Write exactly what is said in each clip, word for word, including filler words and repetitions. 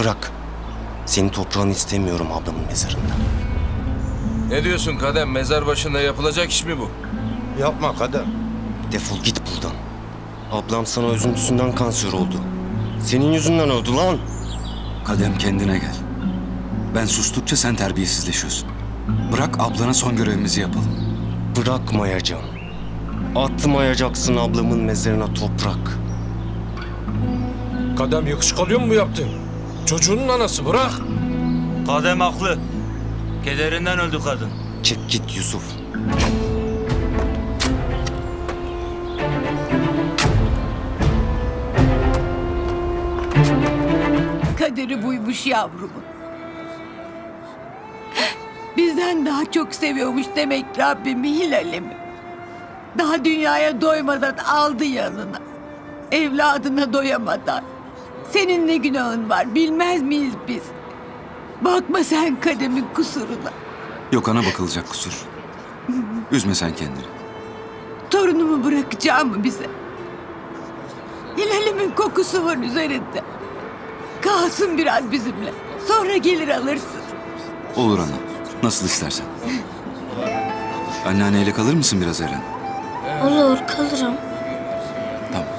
bırak. Senin toprağını istemiyorum ablamın mezarında. Ne diyorsun Kadem? Mezar başında yapılacak iş mi bu? Yapma Kadem. Defol git buradan. Ablam sana üzüntüsünden kanser oldu. Senin yüzünden öldü lan. Kadem, kendine gel. Ben sustukça sen terbiyesizleşiyorsun. Bırak ablana son görevimizi yapalım. Bırakmayacağım. Atmayacaksın ablamın mezarına toprak. Kadem yakışık alıyor mu bu yaptın? Çocuğunun anası bırak. Kadem haklı. Kederinden öldü kadın. Çık git Yusuf. Kaderi buymuş yavrumun. Bizden daha çok seviyormuş demek Rabbimi Hilal'imi. Daha dünyaya doymadan aldı yanına. Evladına doyamadan. Senin ne günahın var bilmez miyiz biz? Bakma sen Kadem'in kusuruna. Yok, ana bakılacak kusur. Üzme sen kendini. Torunumu bırakacağım mı bize? Hilal'imin kokusu var üzerinde. Kalsın biraz bizimle. Sonra gelir alırsın. Olur ana. Nasıl istersen. Anneanneyle kalır mısın biraz Eren? Olur, kalırım. Tamam.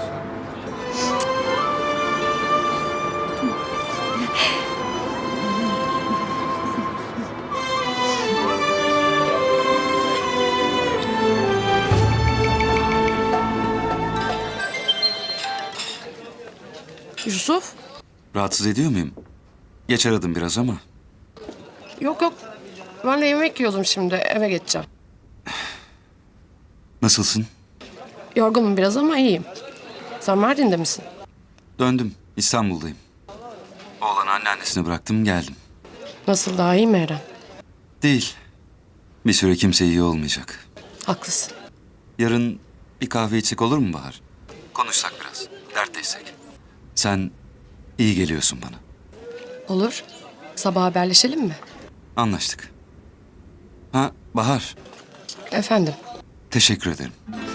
Yusuf? Rahatsız ediyor muyum? Geç aradım biraz ama. Yok yok. Ben de yemek yiyordum şimdi. Eve geçeceğim. Nasılsın? Yorgunum biraz ama iyiyim. Sen Mardin'de misin? Döndüm. İstanbul'dayım. Oğlanı anneannesine bıraktım, geldim. Nasıl, daha iyi mi Eren? Değil. Bir süre kimse iyi olmayacak. Haklısın. Yarın bir kahve içsek olur mu Bahar? Konuşsak biraz. Dertleşsek. Sen iyi geliyorsun bana. Olur. Sabah haberleşelim mi? Anlaştık. Ha Bahar, Efendim? teşekkür ederim.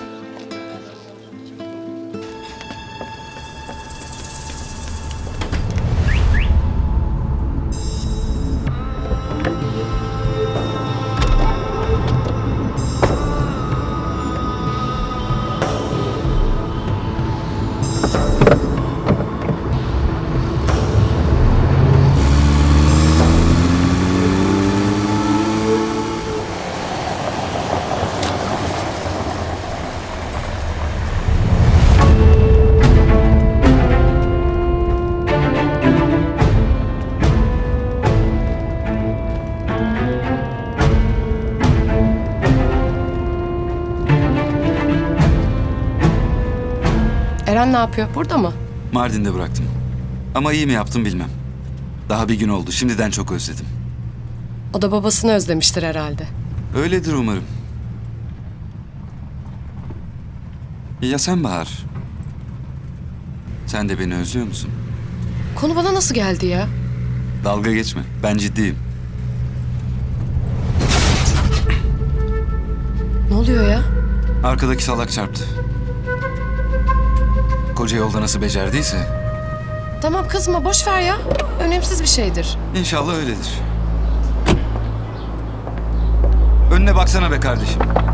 Eren ne yapıyor? Burada mı? Mardin'de bıraktım. Ama iyi mi yaptım bilmem. Daha bir gün oldu. Şimdiden çok özledim. O da babasını özlemiştir herhalde. Öyledir umarım. Ya sen Bahar? Sen de beni özlüyor musun? Konu bana nasıl geldi ya? Dalga geçme. Ben ciddiyim. Ne oluyor ya? Arkadaki salak çarptı. Koca yolda nasıl becerdiyse. Tamam kızma, boş ver ya. Önemsiz bir şeydir. İnşallah öyledir. Önüne baksana be kardeşim.